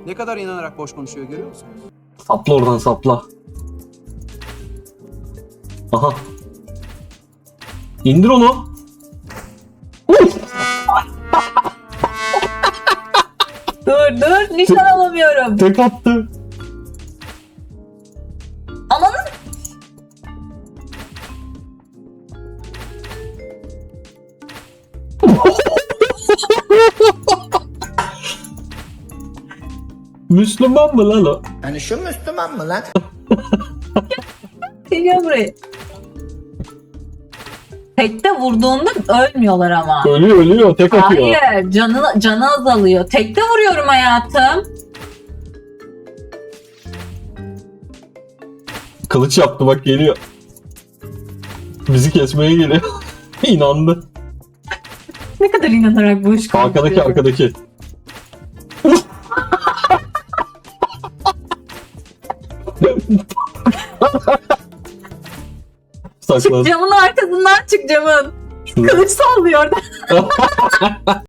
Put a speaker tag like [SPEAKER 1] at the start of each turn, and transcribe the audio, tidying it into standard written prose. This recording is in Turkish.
[SPEAKER 1] Ne kadar inanarak boş konuşuyor görüyor musunuz?
[SPEAKER 2] Sapla oradan sapla. Aha. İndir onu.
[SPEAKER 3] Dur nişan alamıyorum.
[SPEAKER 2] Tek attı.
[SPEAKER 3] Amanın.
[SPEAKER 2] Müslüman mı lan o?
[SPEAKER 4] Hani şu Müslüman mı lan?
[SPEAKER 3] Geliyor buraya. Tekte vurduğunda ölmüyorlar ama.
[SPEAKER 2] Ölüyor tek atıyor.
[SPEAKER 3] Hayır, canı azalıyor. Tekte vuruyorum hayatım.
[SPEAKER 2] Kılıç yaptı bak geliyor. Bizi kesmeye geliyor. İnandı.
[SPEAKER 3] Ne kadar inanarak boş konuşuyor.
[SPEAKER 2] Arkadaki. Saklan.
[SPEAKER 3] Camın arkasından çık camın.
[SPEAKER 2] Şurada.
[SPEAKER 3] Kılıç sallıyor orada.